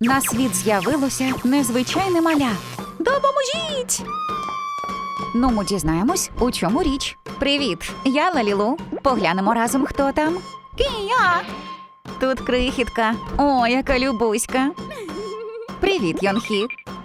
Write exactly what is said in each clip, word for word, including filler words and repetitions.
На світ з'явилося незвичайне маля. Допоможіть! Ну, ми дізнаємось, у чому річ. Привіт, я Лалілу. Поглянемо разом, хто там. Кія! Тут крихітка. О, яка любуська. Привіт, Йонхі.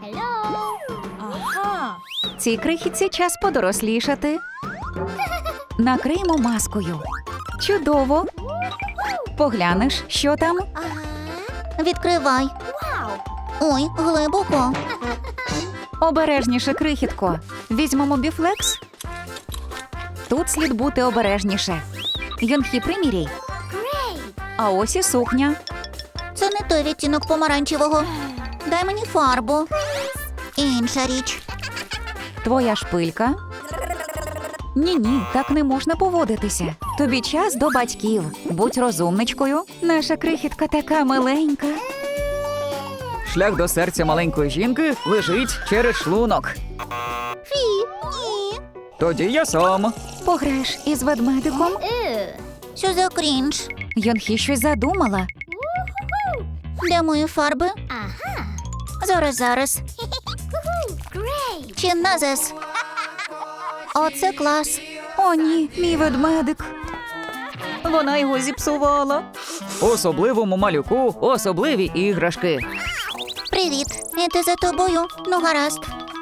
Ага. Цій крихітці час подорослішати. Накриємо маскою. Чудово. Поглянеш, що там? Відкривай. Ой, глибоко. Обережніше, крихітко. Візьмемо біфлекс. Тут слід бути обережніше. Йонхі, приміряй. А ось і сукня. Це не той відтінок помаранчевого. Дай мені фарбу. Інша річ. Твоя шпилька. Ні-ні, так не можна поводитися. Тобі час до батьків. Будь розумничкою. Наша крихітка така миленька. Шлях до серця маленької жінки лежить через шлунок. Фі, ні. Тоді я сам. Пограєш із ведмедиком? Що за крінж? Йонхі щось задумала. Де мої фарби? Зараз, зараз. Чи назас? Оце клас. О, ні, мій ведмедик. Вона його зіпсувала. Особливому малюку особливі іграшки. Привіт. Іти за тобою. Ну, гаразд.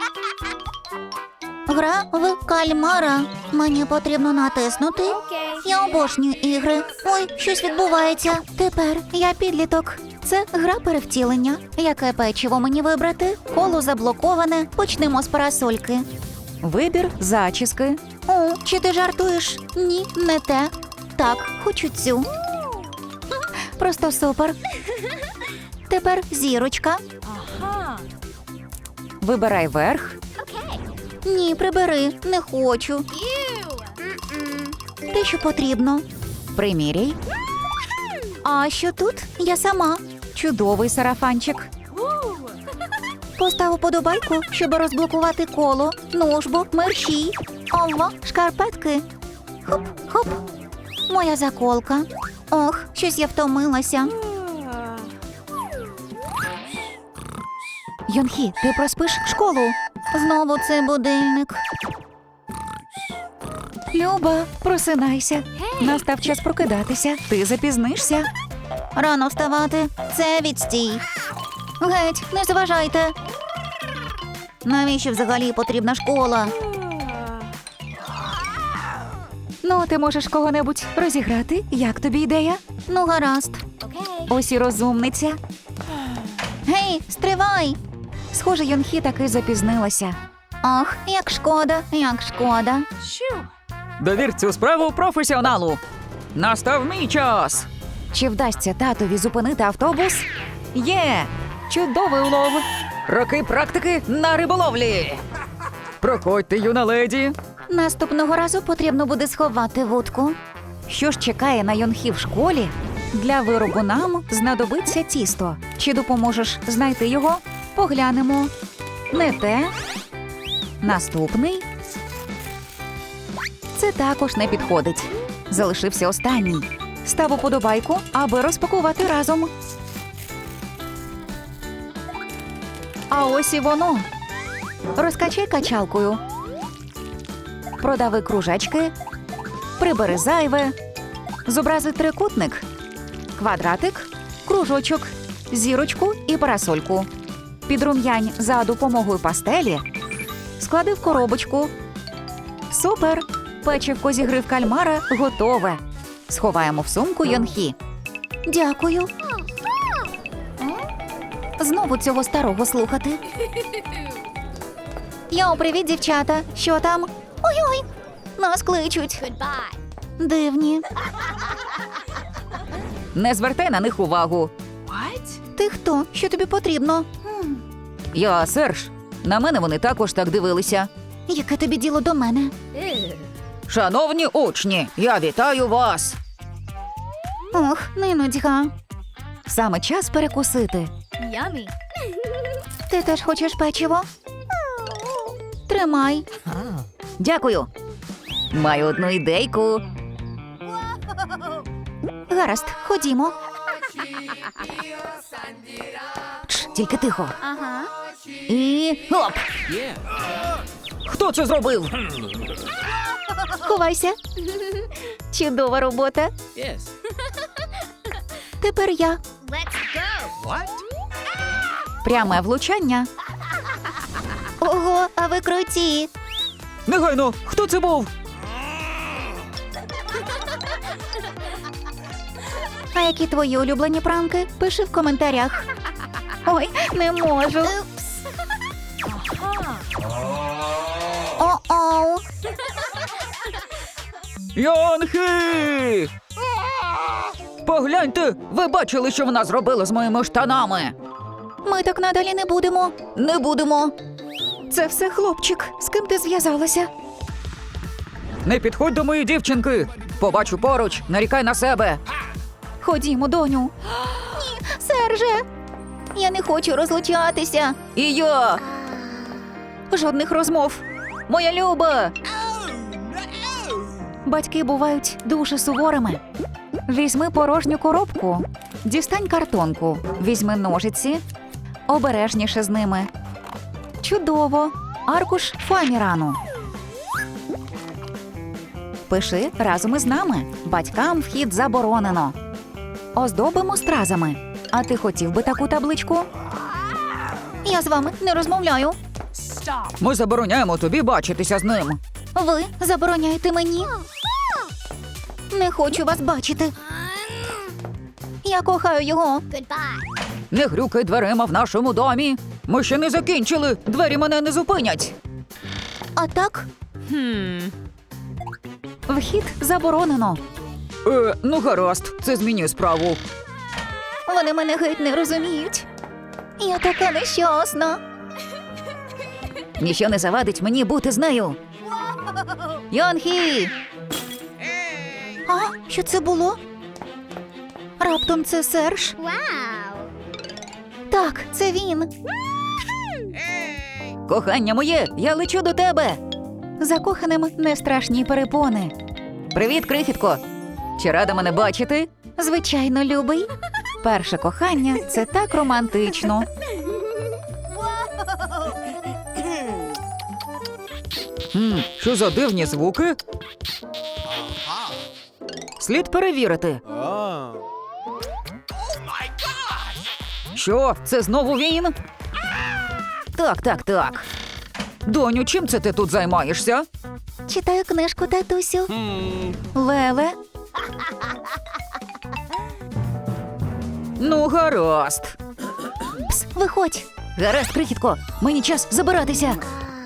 Гра в кальмара. Мені потрібно натиснути. Я обожнюю ігри. Ой, щось відбувається. Тепер я підліток. Це гра перевтілення. Яке печиво мені вибрати? Коло заблоковане. Почнемо з парасольки. Вибір зачіски. О, чи ти жартуєш? Ні, не те. Так, хочу цю. Просто супер. Тепер зірочка. Ага. Вибирай верх. Ні, прибери, не хочу. Те, що потрібно. Приміряй. А що тут? Я сама. Чудовий сарафанчик. Постав уподобайку, щоб розблокувати коло. Ну ж бо, мерщій. Ова, шкарпетки. Хоп, хоп. Моя заколка. Ох, щось я втомилася. Йонхі, ти проспиш школу. Знову цей будильник. Люба, просинайся. Настав час прокидатися. Ти запізнишся. Рано вставати. Це відстій. Геть, не заважайте. Навіщо взагалі потрібна школа? Ну, ти можеш кого-небудь розіграти? Як тобі ідея? Ну, гаразд. Ось і розумниця. Гей, стривай! Схоже, Йонхі таки запізнилася. Ох, як шкода, як шкода. Щу. Довір цю справу професіоналу. Настав мій час. Чи вдасться татові зупинити автобус? Є! Чудовий улов. Роки практики на риболовлі. Проходьте, юна леді. Наступного разу потрібно буде сховати вудку. Що ж чекає на Йонхі в школі? Для виробу нам знадобиться тісто. Чи допоможеш знайти його? Поглянемо. Не те. Наступний. Це також не підходить. Залишився останній. Став уподобайку, аби розпакувати разом. А ось і воно. Розкачай качалкою. Продави кружечки. Прибери зайве. Зобрази трикутник. Квадратик, кружочок, зірочку і парасольку. Підрум'янь за допомогою пастелі. Склади в коробочку. Супер! Печивко зі гри в кальмара готове. Сховаємо в сумку Йонхі. Дякую. Знову цього старого слухати. Йоу, привіт, дівчата. Що там? Ой-ой, нас кличуть. Дивні. Не звертай на них увагу. What? Ти хто? Що тобі потрібно? Я Серж. На мене вони також так дивилися. Яке тобі діло до мене? Шановні учні, я вітаю вас. Ох, не нудьга. Саме час перекусити. Yummy. Ти теж хочеш печиво? Тримай. Дякую. Маю одну ідейку. Гаразд, ходімо. Чш, тільки тихо. Ага. І оп! Хто це зробив? Ховайся. Чудова робота. Тепер я. Пряме влучання. Ого, а ви круті. Негайно, хто це був? А які твої улюблені пранки? Пиши в коментарях. Ой, не можу. Ага. О-оу. Йонхі! Погляньте, ви бачили, що вона зробила з моїми штанами? Ми так надалі не будемо. Не будемо. Це все хлопчик. З ким ти зв'язалася? Не підходь до моєї дівчинки. Побачу поруч, нарікай на себе. Ходімо, доню. Ні, Серже. Я не хочу розлучатися. І я. Жодних розмов. Моя Люба. Батьки бувають дуже суворими. Візьми порожню коробку. Дістань картонку. Візьми ножиці. Обережніше з ними. Чудово. Аркуш фамірану. Пиши разом із нами. Батькам вхід заборонено. Оздобимо стразами. А ти хотів би таку табличку? Я з вами не розмовляю. Stop. Ми забороняємо тобі бачитися з ним. Ви забороняєте мені? Не хочу вас бачити. Я кохаю його. Не грюкай дверима в нашому домі. Ми ще не закінчили. Двері мене не зупинять. А так? Hmm. Вхід заборонено. Е, ну гаразд, це змінює справу. Вони мене геть не розуміють. Я така нещасна. Ніщо не завадить мені бути з нею. Йонхі! А, що це було? Раптом це Серж? Так, це він. Кохання моє, я лечу до тебе. Закоханим не страшні перепони. Привіт, крихітко. Чи рада мене бачити? Звичайно, любий. Перше кохання – це так романтично. Хм, що за дивні звуки? Слід перевірити. Що, це знову він? Так, так, так. Доню, чим це ти тут займаєшся? Читаю книжку, татусю. Леле. Ну, гаразд. Пс, виходь. Гаразд, крихітко, мені час забиратися.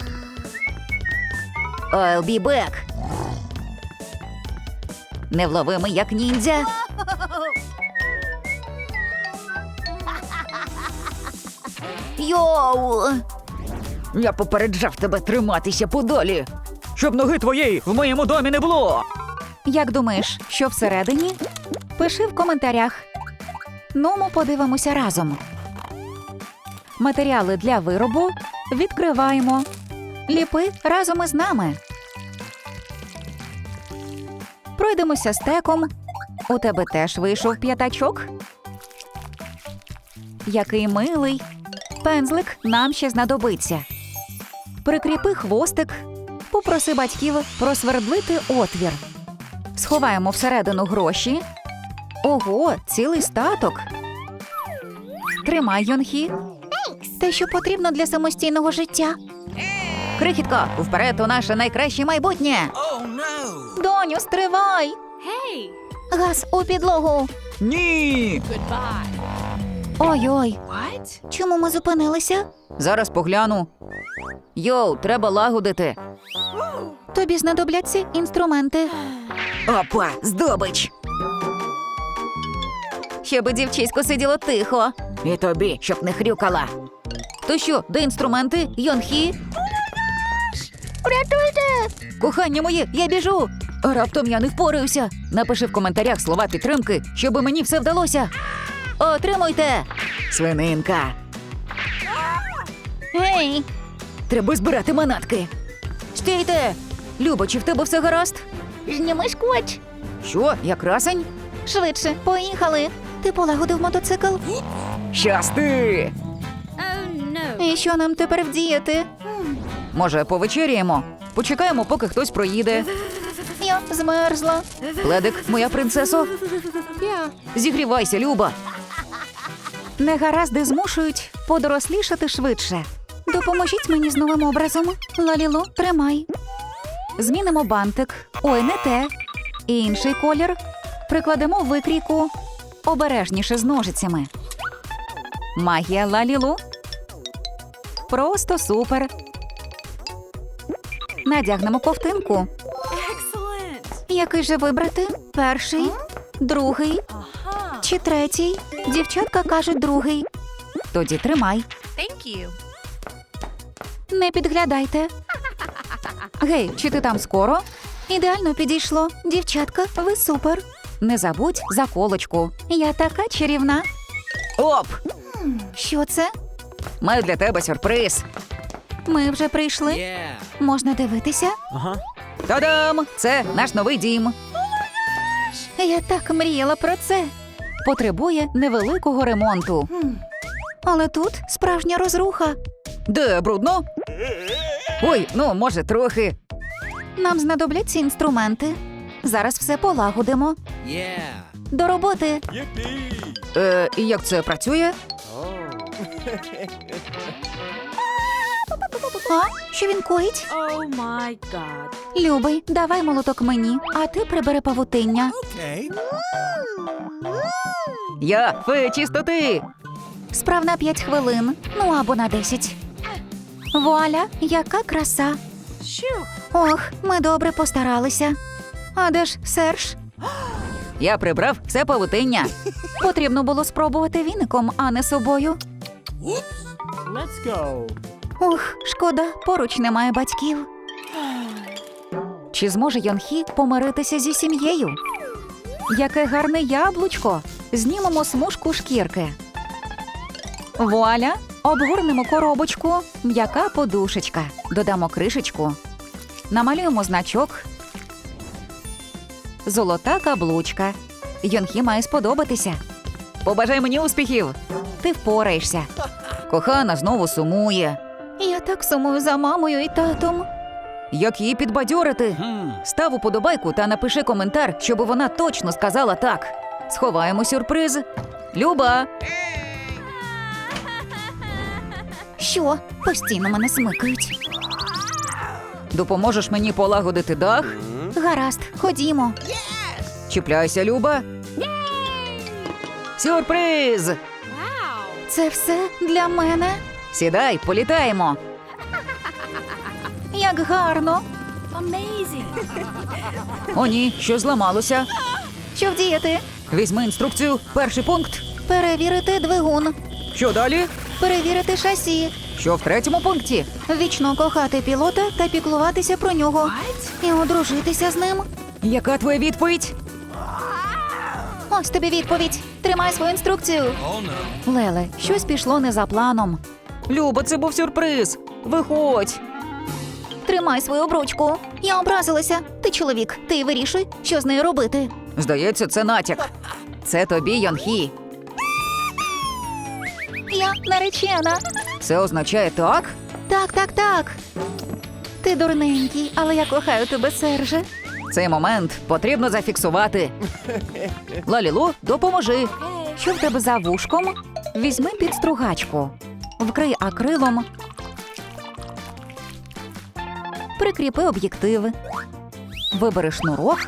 I'll be back. Невловимий, як ніндзя. Йоу! Я попереджав тебе триматися подалі, щоб ноги твоєї в моєму домі не було. Як думаєш, що всередині? Пиши в коментарях. Ну, ми подивимося разом. Матеріали для виробу відкриваємо. Ліпи разом із нами. Пройдемося стеком. У тебе теж вийшов п'ятачок. Який милий. Пензлик нам ще знадобиться. Прикріпи хвостик. Попроси батьків просвердлити отвір. Сховаємо всередину гроші. Ого, цілий статок. Тримай, Йонхі. Те, що потрібно для самостійного життя. Крихітко, вперед у наше найкраще майбутнє. Доню, стривай! Hey. Газ у підлогу. Ні! Goodbye. Ой-ой, What? чому ми зупинилися? Зараз погляну. Йоу, треба лагодити. Тобі знадобляться інструменти. Опа, здобич. Щоб дівчисько сиділо тихо. І тобі, щоб не хрюкала. То що, де інструменти, Йонхі? Врятуйте! Кохання моє, я біжу. Раптом я не впораюся. Напиши в коментарях слова підтримки, щоб мені все вдалося. Отримуйте! Свининка. Гей! Треба збирати манатки. Стійте! Люба, чи в тебе все гаразд? Зніми скотч. Що, я красень? Швидше, поїхали. Ти полагодив мотоцикл? Щасти! що нам тепер вдіяти? Може, повечеряємо? Почекаємо, поки хтось проїде. Я змерзла. Пледик, моя принцесо. Yeah. Зігрівайся, Люба. Негаразди змушують подорослішати швидше. Допоможіть мені з новим образом. Лалілу, тримай. Змінимо бантик. Ой, не те. І інший колір. Прикладемо викрійку. Обережніше з ножицями. Магія Лалілу. Просто супер. Надягнемо ковтинку. Excellent. Який же вибрати? Перший, другий Aha. чи третій? Дівчатка кажуть другий. Тоді тримай. Thank you. Не підглядайте. Гей, чи ти там скоро? Ідеально підійшло. Дівчатка, ви супер. Не забудь заколочку. Я така чарівна. Оп! Що це? Маю для тебе сюрприз. Ми вже прийшли. Yeah. Можна дивитися? Uh-huh. Та-дам! Це наш новий дім. Я так мріяла про це. Потребує невеликого ремонту. Але тут справжня розруха. Де брудно? Ой, ну, може, трохи. Нам знадобляться інструменти. Зараз все полагодимо. Yeah. До роботи. Е, як це працює? А? Що він коїть? Oh my god. Любий, давай молоток мені, а ти прибери павутиння. Okay. Я фея чистоти. Справ на п'ять хвилин, ну або на десять. Вуаля, яка краса. Shoo. Ох, ми добре постаралися. А де ж Серж? Я прибрав все павутиння. Потрібно було спробувати віником, а не собою. Let's go. Ух, шкода, поруч немає батьків. Чи зможе Йонхі помиритися зі сім'єю? Яке гарне яблучко! Знімемо смужку шкірки. Вуаля! Обгорнемо коробочку. М'яка подушечка. Додамо кришечку. Намалюємо значок. Золота каблучка. Йонхі має сподобатися. Побажай мені успіхів. Ти впораєшся. Кохана знову сумує. Я так сумую за мамою і татом. Як її підбадьорити? Hmm. Став уподобайку та напиши коментар, щоб вона точно сказала так. Сховаємо сюрприз. Люба! Що? Постійно мене смикають. Допоможеш мені полагодити дах? Гаразд, ходімо. Чіпляйся, Люба. Сюрприз! Wow. Це все для мене. Сідай, політаємо. Як гарно. Amazing. О, ні, що зламалося. Що вдіяти? Візьми інструкцію. Перший пункт. Перевірити двигун. Що далі? Перевірити шасі. Що в третьому пункті? Вічно кохати пілота та піклуватися про нього. What? І одружитися з ним. Яка твоя відповідь? Ось тобі відповідь. Тримай свою інструкцію. Oh no. Леле, щось пішло не за планом. Люба, це був сюрприз. Виходь. Тримай свою обручку. Я образилася. Ти чоловік, ти вирішуй, що з нею робити. Здається, це натяк. Це тобі, Йонхі. Я наречена. Це означає так? Так, так, так. Ти дурненький, але я кохаю тебе, Серже. Цей момент потрібно зафіксувати. Лалілу, допоможи. Що в тебе за вушком? Візьми підстругачку. Вкрий акрилом. Прикріпи об'єктив. Вибери шнурок.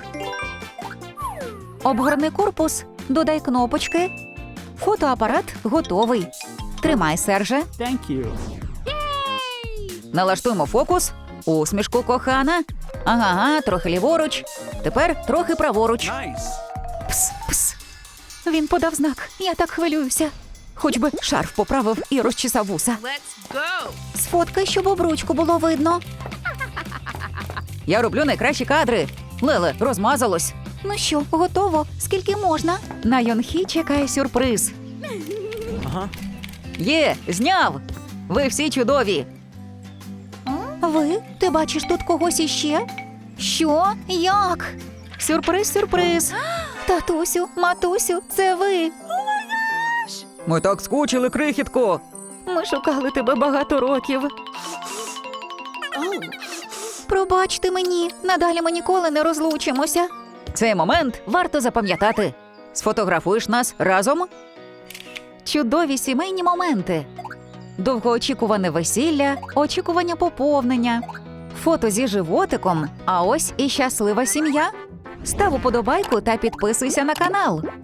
Обгорни корпус. Додай кнопочки. Фотоапарат готовий. Тримай, Серже. Thank you. Налаштуємо фокус. Усмішку, кохана. Ага, ага, трохи ліворуч. Тепер трохи праворуч. Nice. Пс, пс. Він подав знак. Я так хвилююся. Хоч би шарф поправив і розчесав вуса. Let's go. Сфоткай, щоб обручку було видно. Я роблю найкращі кадри. Леле, розмазалось. Ну що, готово? Скільки можна? На Йонхі чекає сюрприз. Uh-huh. Є, зняв. Ви всі чудові. Ви? Ти бачиш тут когось іще? Що? Як? Сюрприз, сюрприз. Татусю, матусю, це ви. Ми так скучили, крихітко. Ми шукали тебе багато років. Пробачте мені, надалі ми ніколи не розлучимося. Цей момент варто запам'ятати. Сфотографуєш нас разом? Чудові сімейні моменти. Довгоочікуване весілля, очікування поповнення, фото зі животиком, а ось і щаслива сім'я. Став уподобайку та підписуйся на канал.